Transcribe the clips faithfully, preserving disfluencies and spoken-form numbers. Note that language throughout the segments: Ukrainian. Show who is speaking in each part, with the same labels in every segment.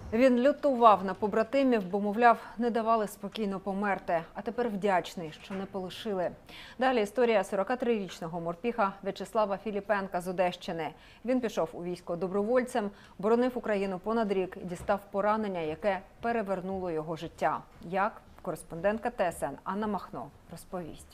Speaker 1: Він лютував на побратимів, бо, мовляв, не давали спокійно померти. А тепер вдячний, що не полишили. Далі історія сорокатрирічного морпіха В'ячеслава Філіпенка з Одещини. Він пішов у військо добровольцем, боронив Україну понад рік і дістав поранення, яке перевернуло його життя. Як? Кореспондентка Т С Н Анна Махно розповість.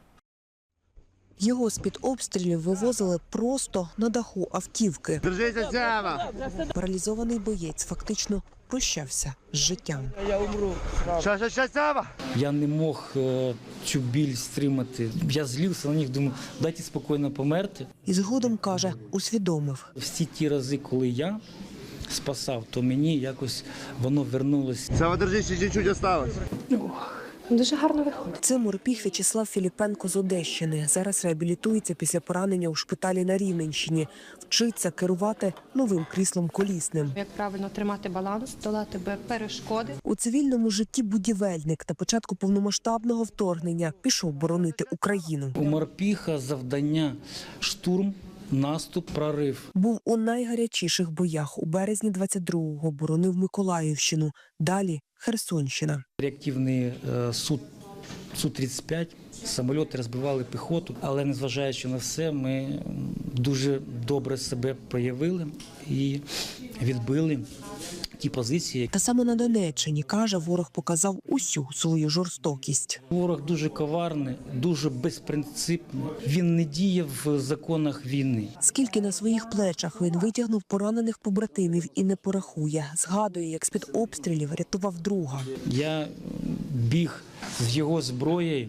Speaker 2: Його з-під обстрілів вивозили просто на даху автівки.
Speaker 3: Держися, Сява!
Speaker 2: Паралізований боєць фактично прощався з життям.
Speaker 3: Я умру. Що, що, що, Сява?
Speaker 4: Я не мог е, цю біль стримати. Я злився на них, думаю, дайте спокійно померти.
Speaker 2: І згодом, каже, усвідомив.
Speaker 4: Всі ті рази, коли я спасав, то мені якось воно вернулося.
Speaker 3: Сява, держись, ще чуть осталось.
Speaker 5: Дуже гарно виходить.
Speaker 2: Це морпіх В'ячеслав Філіпенко з Одещини. Зараз реабілітується після поранення у шпиталі на Рівненщині. Вчиться керувати новим кріслом колісним.
Speaker 5: Як правильно тримати баланс, долати перешкоди.
Speaker 2: У цивільному житті будівельник. На початку повномасштабного вторгнення пішов боронити Україну.
Speaker 4: У морпіха завдання штурм, наступ, прорив.
Speaker 2: Був у найгарячіших боях. У березні двадцять другого боронив Миколаївщину. Далі Херсонщина.
Speaker 4: Реактивний е, Су тридцять п'ять, самольоти розбивали піхоту. Але незважаючи на все, ми дуже добре себе проявили і відбили ті позиції.
Speaker 2: Та саме на Донеччині, каже, ворог показав усю свою жорстокість.
Speaker 4: Ворог дуже коварний, дуже безпринципний. Він не діє в законах війни.
Speaker 2: Скільки на своїх плечах він витягнув поранених побратимів і не порахує. Згадує, як з-під обстрілів рятував друга.
Speaker 4: Я біг з його зброєю,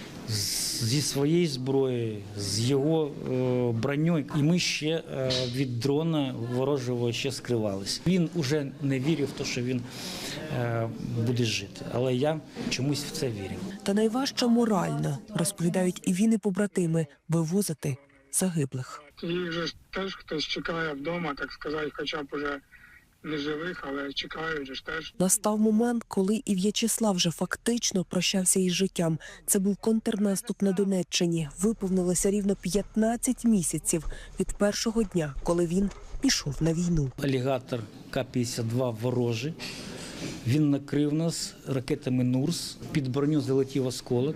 Speaker 4: зі своєї зброї, з його е, броньою. І ми ще е, від дрона ворожого ще скривалися. Він уже не вірив в те, що він е, буде жити. Але я чомусь в це вірив.
Speaker 2: Та найважче морально, розповідають і він, і побратими, вивозити загиблих.
Speaker 6: Їх же теж хтось чекає вдома, так сказати, хоча б уже не живих, але чекають же ж теж.
Speaker 2: Настав момент, коли і В'ячеслав вже фактично прощався із життям. Це був контрнаступ на Донеччині. Виповнилося рівно п'ятнадцять місяців від першого дня, коли він пішов на війну.
Speaker 4: Алігатор К п'ятдесят два ворожий. Він накрив нас ракетами Нурс. Під броню залетів осколок.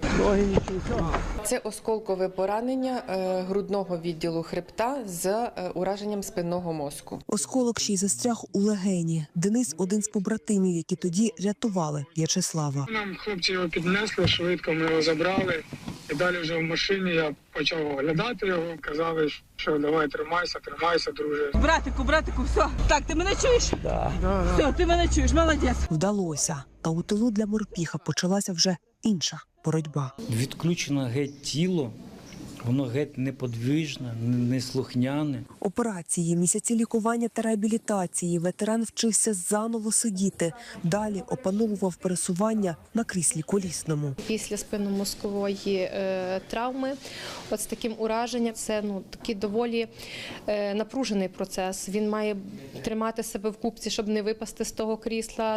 Speaker 7: Це осколкове поранення е, грудного відділу хребта з е, ураженням спинного мозку.
Speaker 2: Осколок ще й застряг у легені. Денис – один з побратимів, які тоді рятували В'ячеслава.
Speaker 6: Нам хлопці його піднесли, швидко ми його забрали. І далі вже в машині я почав оглядати його. Казали, що давай тримайся, тримайся, друже.
Speaker 8: Братику, братику, все. Так, ти мене чуєш?
Speaker 4: Да.
Speaker 8: Все, ти мене чуєш, молодець.
Speaker 2: Вдалося. Та у тилу для морпіха почалася вже інша боротьба.
Speaker 4: Відключено геть тіло. Воно геть неподвижне, неслухняне.
Speaker 2: Операції, місяці лікування та реабілітації. Ветеран вчився заново сидіти. Далі опановував пересування на кріслі колісному.
Speaker 5: Після спинномозкової е, травми, от з таким ураженням, це ну, такий доволі е, напружений процес. Він має тримати себе в купці, щоб не випасти з того крісла.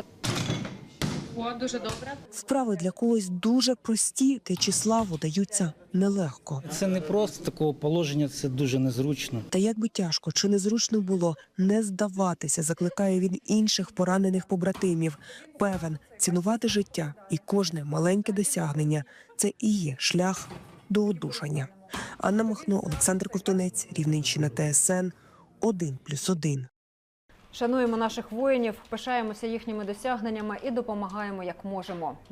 Speaker 5: О, дуже добре.
Speaker 2: Вправи для когось дуже прості, В'ячеславу даються нелегко.
Speaker 4: Це не просто такого положення, це дуже незручно.
Speaker 2: Та як би тяжко чи незручно було, не здаватися, закликає він інших поранених побратимів. Певен, цінувати життя і кожне маленьке досягнення – це і є шлях до одужання. Анна Махно, Олександр Ковтунець, Рівненщина, Т С Н, один плюс один.
Speaker 1: Шануємо наших воїнів, пишаємося їхніми досягненнями і допомагаємо, як можемо.